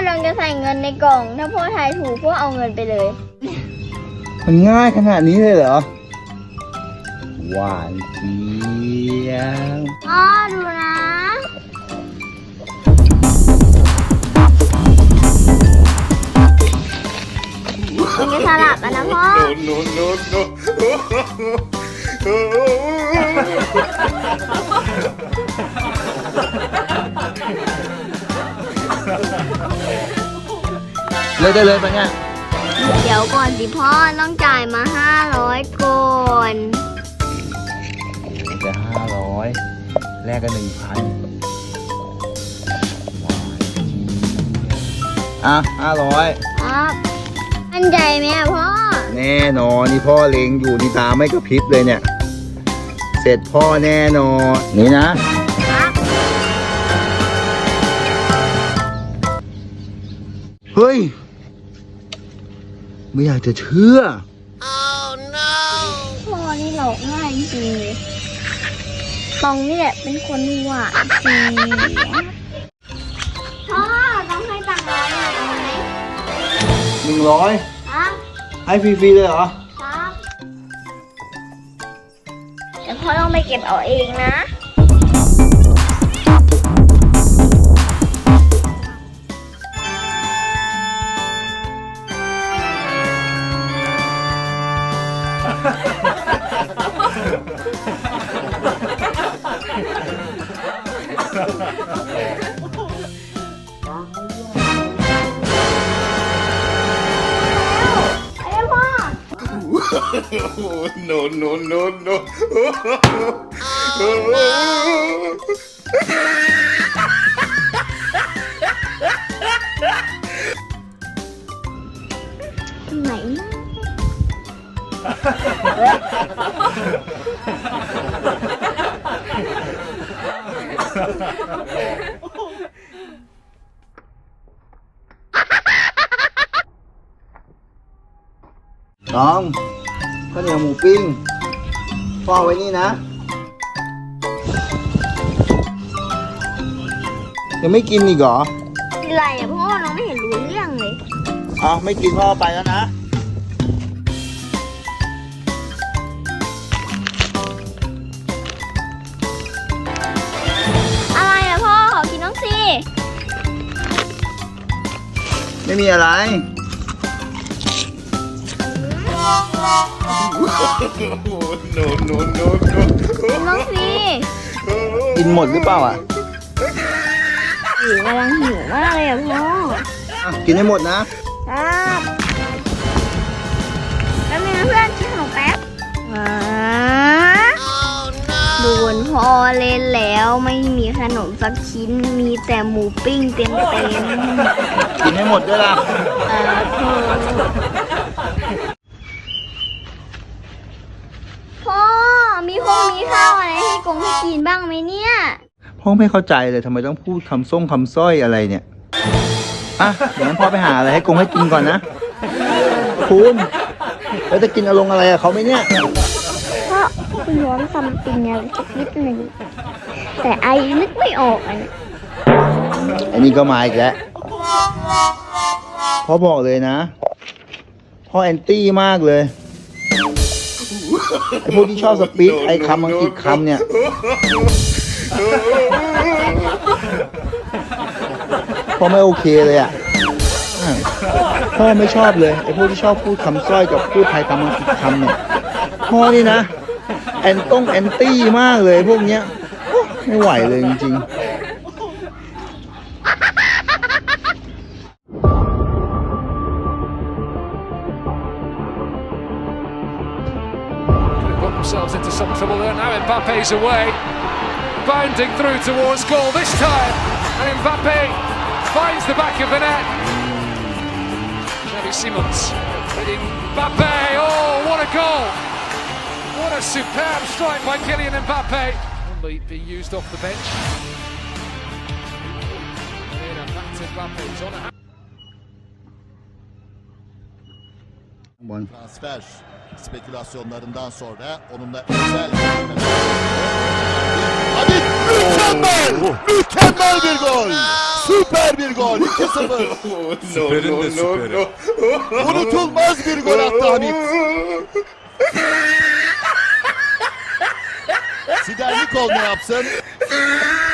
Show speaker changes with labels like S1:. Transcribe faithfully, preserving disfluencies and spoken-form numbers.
S1: น้องจะใส่เงินในกล่อง ถ้าพ่อทายถูกพ่อเอาเงินไปเลย
S2: มันง่ายขนาดนี้เลยเหรอหวานเจี๊ยบ
S1: พ่อดูนะมันจะสลับกันนะพ่อ
S3: no no no no
S2: เลยได้เลยปะเนี่ย
S1: เดี๋ยวก่อนสิพ่อต้องจ่ายมาห้าร้อยก่อน
S2: จะห้าร้อยแลกกันหนึ่งพันอ่ะห้าร้อย
S1: ครับมั่นใจไหมอะพ่อ
S2: แน่นอนนี่พ่อเล็งอยู่นี่ตาไม่กระพริบเลยเนี่ย เสร็จพ่อแน่นอนนี่นะครับ เฮ้ย ไม่อยากจะเชื่อ
S1: พ่อนี่หลอกง่ายจริงๆเลยตองนี่แหละเป็นคนหวานเสียพ่อต้องให้ตังค์ร้อยหน่อยเอาไหม
S2: หนึ่งร้อย
S1: ครับ
S2: ให้ฟรีๆเลยเหรอ
S1: ครับเดี๋ยวพ่อต้องไปเก็บเอาเองนะ
S3: no no no no
S1: ไหนนะ
S2: น้องข้าวเหนียวหมูปิ้งพ่อไว้นี่นะ ยังไม่กินอีกเหรอ
S1: อะไรอะพ่อน้องไม่เห็นรู้เรื่องเลย
S2: อ้าวไม่กินพ่อไปแล้วนะ
S1: อะไรอะพ่อขอกินน้องสิ
S2: ไม่มีอะไร
S3: no no no
S1: กินน้องสิ
S2: กินหมดหรือเปล่าอ่ะ
S1: หิวกำลังหิวมากเลยอะพ่อ
S2: อ่ะกินให้หมดนะ
S1: ครับแล้วมีเพื่อนชิมขนมแป๊บอ่าโดนพ่อเล่นแล้วไม่มีขนมสักชิ้นมีแต่หมูปิ้งเต็มเต็ม
S2: กินให้หมดด้วยล่ะ
S1: เออพ่อมีคงมีข้าวอะไรให้กงให้กินบ้างไหมเนี่ย
S2: พ่อไม่เข้าใจเลยทำไมต้องพูดคำส่งคำสร้อยอะไรเนี่ย อ่ะเดี๋ยวงั้นพ่อไปหาอะไรให้กงให้กินก่อนนะ คุณแล้วจะกินอารมณ์อะไรอะเขาไหมเนี่ย
S1: เพราะคุณย้อนซัมติงอะไรสักนิดหนึ่งแต่ไอนึกไม่ออกอันนี้
S2: อันนี้ก็มาอีกแล้วพ่อบอกเลยนะ พ่อแอนตี้มากเลย ไอพวกที่ชอบสปีดไอคำอังกฤษคำเนี่ย พ่อไม่โอเคเลยอ่ะ พ่อไม่ชอบเลยไอพวกที่ชอบพูดคำสร้อยกับพูดไทยคำอังกฤษคำเนี่ย พ่อนี่นะ แอนต้องแอนตี้มากเลยพวกเนี้ย ไม่ไหวเลยจริงๆ
S4: themselves into some trouble there. Now Mbappe's away, bounding through towards goal this time, and Mbappe finds the back of the net. Xavi Simons hitting Mbappe. Oh, what a goal! What a superb strike by Kylian Mbappe. Only being used off the bench. And back to Mbappe. He's on a
S5: transfer spekülasyonlarından sonra onunla özel Hadi Mükemmel! Mükemmel bir gol! Süper bir gol! iki sıfır.
S3: No, no, no, no.
S5: Unutulmaz bir gol attı Hamit. Siderlikol ne yapsın?